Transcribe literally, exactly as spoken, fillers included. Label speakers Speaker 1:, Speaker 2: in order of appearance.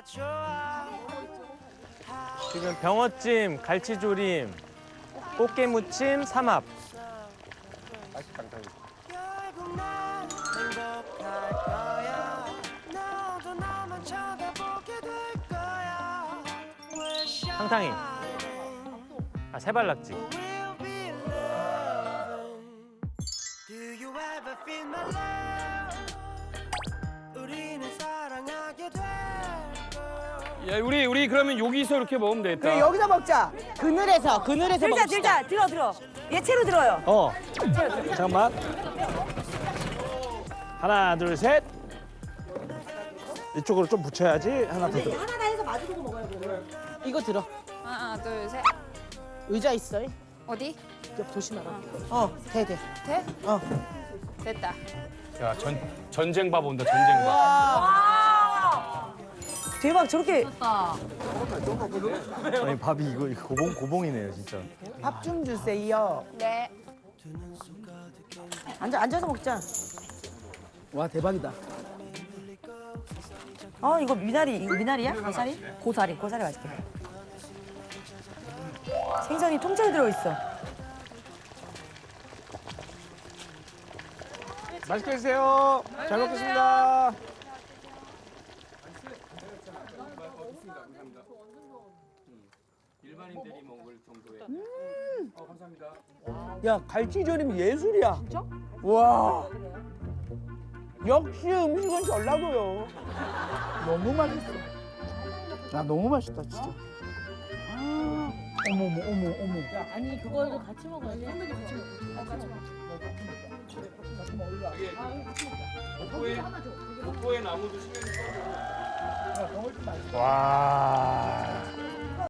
Speaker 1: 지금 병어찜, 갈치조림, 꽃게무침, 삼합. 탕탕이. 아, 세발낙지.
Speaker 2: 야, 우리 우리 그러면 여기서 이렇게 먹으면 되겠다.
Speaker 3: 그래 여기서 먹자. 그늘에서 그늘에서
Speaker 4: 들자
Speaker 3: 먹읍시다.
Speaker 4: 들자 들어 들어. 얘 채로 들어요.
Speaker 5: 어. 잠깐만. 하나, 둘, 셋. 이쪽으로 좀 붙여야지. 하나 더 들어.
Speaker 3: 하나 다 해서 마주보고 먹어요. 이거 들어.
Speaker 6: 하나, 둘, 셋.
Speaker 3: 의자 있어.
Speaker 6: 어디?
Speaker 3: 옆 조심하라. 어, 돼 돼.
Speaker 6: 돼?
Speaker 3: 어.
Speaker 6: 됐다.
Speaker 2: 야, 전 전쟁밥 온다. 전쟁밥.
Speaker 4: 와. 대박 저렇게.
Speaker 1: 아니, 밥이 이거, 이거 고봉, 고봉이네요, 진짜.
Speaker 3: 밥 좀 주세요.
Speaker 6: 네.
Speaker 4: 앉아 앉아서 먹자.
Speaker 3: 와 대박이다.
Speaker 4: 어 이거 미나리 이거 미나리야? 고사리? 고사리 고사리 맛있게. 생선이 통째로 들어 있어.
Speaker 5: 맛있게 드세요. 잘 먹겠습니다.
Speaker 2: 일반인들이 먹을 정도의.
Speaker 3: 야 갈치조림 예술이야. 진짜? 와. 역시 음식은 전라도요. 너무 맛있어. 야 너무 맛있다 진짜. 아, 어머 어머 어머 어머.
Speaker 7: 아니 그거를 같이 먹어야지. 햄버거 같이 먹어. 같이 먹어.
Speaker 2: 목포에 목포에 나무도 심해.
Speaker 5: 와.